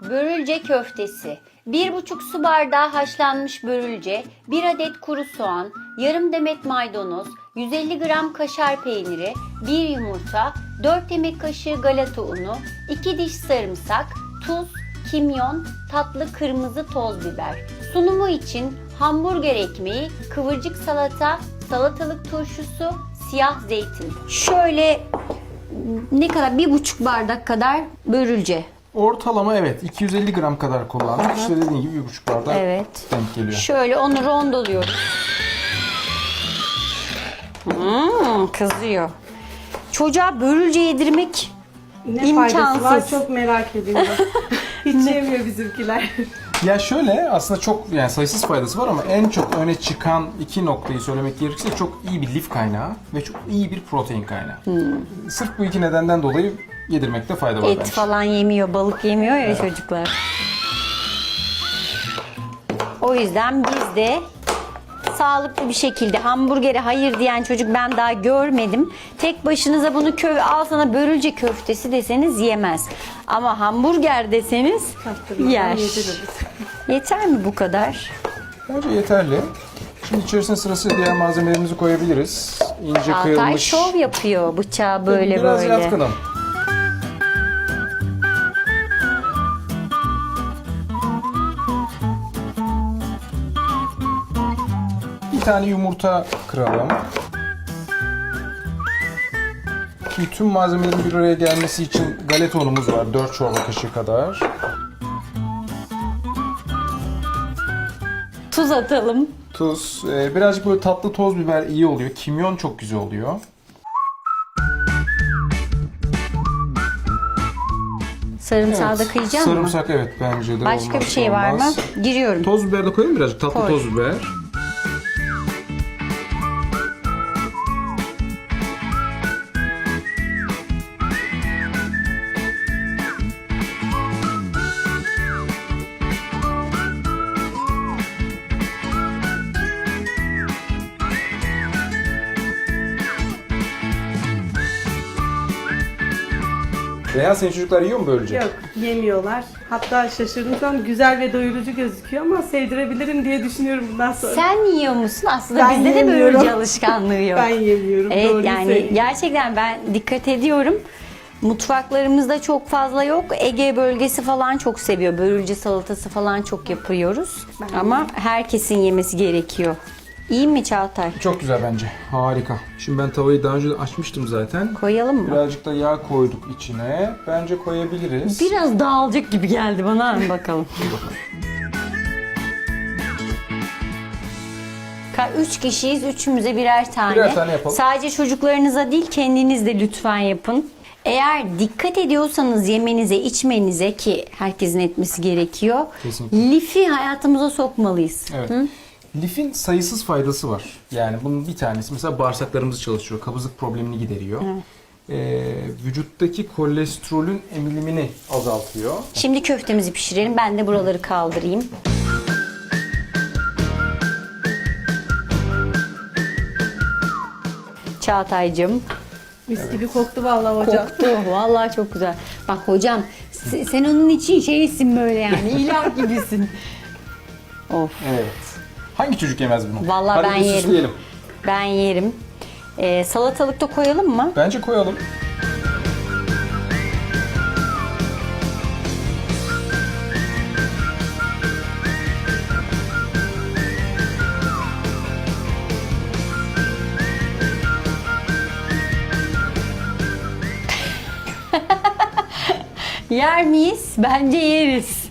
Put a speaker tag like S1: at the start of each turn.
S1: Börülce köftesi. 1,5 su bardağı haşlanmış börülce, 1 adet kuru soğan, yarım demet maydanoz, 150 gram kaşar peyniri, 1 yumurta, 4 yemek kaşığı galeta unu, 2 diş sarımsak, tuz, kimyon, tatlı kırmızı toz biber. Sunumu için hamburger ekmeği, kıvırcık salata, salatalık turşusu, siyah zeytin. Şöyle ne kadar? 1,5 bardak kadar börülce.
S2: Ortalama evet 250 gram kadar kullandık. İşte dediğin gibi 1,5 bardak
S1: Evet.
S2: denk geliyor.
S1: Şöyle onu rondoluyoruz. Kızıyor. Çocuğa börülce yedirmek
S3: Ne
S1: İmkansız.
S3: faydası var çok merak ediyorum. Hiç yemiyor bizimkiler.
S2: Ya şöyle aslında çok yani sayısız faydası var ama en çok öne çıkan iki noktayı söylemek gerekirse çok iyi bir lif kaynağı ve çok iyi bir protein kaynağı. Sırf bu iki nedenden dolayı yedirmekte fayda var
S1: et
S2: bence.
S1: falan yemiyor, balık yemiyor ya çocuklar. O yüzden biz de sağlıklı bir şekilde hamburgere hayır diyen çocuk ben daha görmedim. Tek başınıza bunu al sana börülce köftesi deseniz yemez. Ama hamburger deseniz yer.
S3: Yediririz.
S1: Yeter mi bu kadar?
S2: Bence yeterli. Şimdi içerisine sırasıyla diğer malzemelerimizi koyabiliriz. İnce
S1: Altay
S2: kıyılmış.
S1: şov yapıyor bıçağı böyle
S2: Biraz
S1: böyle.
S2: yatkınım. Bir tane yumurta kıralım. Bütün malzemelerin bir araya gelmesi için galeta unumuz var. 4 çorba kaşığı kadar.
S1: Tuz atalım.
S2: Tuz. Birazcık böyle tatlı toz biber iyi oluyor. Kimyon çok güzel oluyor.
S1: Sarımsağı da kıyacağım mı?
S2: Sarımsak evet bence de
S1: Başka bir
S2: olmazsa
S1: şey var mı?
S2: olmaz.
S1: Giriyorum.
S2: Toz biber de koyayım mı birazcık? Tatlı
S1: Koy.
S2: toz biber. Reyhan senin çocuklar yiyor mu böylece?
S3: Yok yemiyorlar. Hatta şaşırdım şu an güzel ve doyurucu gözüküyor ama sevdirebilirim diye düşünüyorum bundan sonra.
S1: Sen yiyor musun? Aslında
S3: Ben
S1: bizde de
S3: yemiyorum.
S1: börülce alışkanlığı yok.
S3: Ben yemiyorum.
S1: Evet
S3: doğruyu
S1: yani
S3: söyleyeyim.
S1: gerçekten ben dikkat ediyorum. Mutfaklarımızda çok fazla yok. Ege bölgesi falan çok seviyor. Börülce salatası falan çok yapıyoruz. Ama herkesin yemesi gerekiyor. İyi mi Çağatay?
S2: Çok güzel bence. Harika. Şimdi ben tavayı daha önce de açmıştım zaten.
S1: Koyalım mı?
S2: Birazcık da yağ koyduk içine. Bence koyabiliriz.
S1: Biraz dağılacak gibi geldi bana. Hadi bakalım. 3 kişiyiz. Üçümüze birer tane.
S2: Birer tane yapalım.
S1: Sadece çocuklarınıza değil kendiniz de lütfen yapın. Eğer dikkat ediyorsanız yemenize, içmenize ki herkesin etmesi gerekiyor.
S2: Kesinlikle.
S1: Lifi hayatımıza sokmalıyız.
S2: Evet. Lifin sayısız faydası var. Yani bunun bir tanesi mesela bağırsaklarımızı çalıştırıyor. Kabızlık problemini gideriyor. Vücuttaki kolesterolün emilimini azaltıyor.
S1: Şimdi köftemizi pişirelim. Ben de buraları kaldırayım. Çağatay'cığım.
S3: Mis gibi koktu vallahi hocam.
S1: Koktu. Vallahi çok güzel. Bak hocam sen onun için şeysin böyle yani. İlah gibisin. Of.
S2: Evet. Hangi çocuk yemez bunu?
S1: Vallahi
S2: Hadi
S1: ben
S2: bir
S1: yerim.
S2: süsleyelim.
S1: Ben yerim. Salatalık da koyalım mı?
S2: Bence koyalım.
S1: Yer miyiz? Bence yeriz.